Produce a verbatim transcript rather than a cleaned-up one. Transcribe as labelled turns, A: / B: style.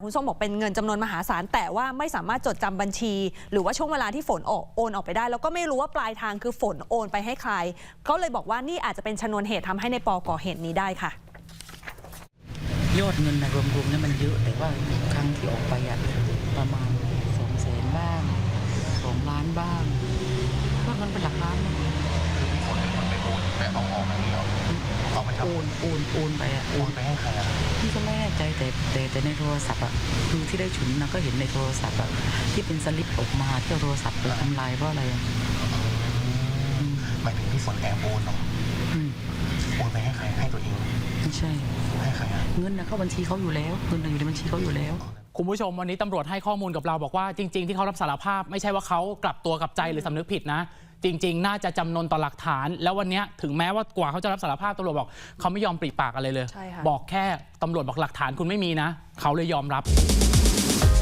A: คุณส้มบอกเป็นเงินจำนวนมหาศาลแต่ว่าไม่สามารถจดจำบัญชีหรือว่าช่วงเวลาที่ฝนโอนออกไปได้แล้วก็ไม่รู้ว่าปลายทางคือฝนโอนไปให้ใครก็เลยบอกว่านี่อาจจะเป็นชนวนเหตุทำให้ในปอก่อเหตุนี้ได้ค่ะ
B: ยอดเงินนะรวมๆนี่มันเยอะแต่ว่าครั้งที่ออกไปอะประมาณสองแสนบ้างสองล้านบ้างก็เงินเป็นหลักล้านนะ
C: คือพี่ฝนเป็นคนไปโอนแต่เอาออกมานี่เหรอเอาไปทำ
B: โอนโอนโอนไปอะ
C: โอนไปให้ใครอะ
B: พี่ก็ไม่แน่ใจแต่แต่แต่ในโทรศัพท์อะคือที่ได้ฉุนนะก็เห็นในโทรศัพท์อะที่เป็นสลิปออกมาที่โทรศัพท์ไปทำลายเพราะอะไร
C: หมายถึงพี่ฝนแอบโอนเหรอโอนไปให้ใครให้ตัวเอง
B: ไม่ใช่
C: ให้ใครอะ
B: เงินนะเข้าบัญชีเขาอยู่แล้วเงินอยู่ในบัญชีเขาอยู่แล้ว
D: คุณผู้ชมวันนี้ตำรวจให้ข้อมูลกับเราบอกว่าจริงๆที่เขารับสารภาพไม่ใช่ว่าเขากลับตัวกลับใจหรือสำนึกผิดนะจริงๆน่าจะจำนนต่อหลักฐานแล้ววันนี้ถึงแม้ว่ากว่าเขาจะรับสารภาพตำรวจบอกเขาไม่ยอมปริปากอะไรเลยบอกแค่ตำรวจบอกหลักฐานคุณไม่มีนะเขาเลยยอมรับ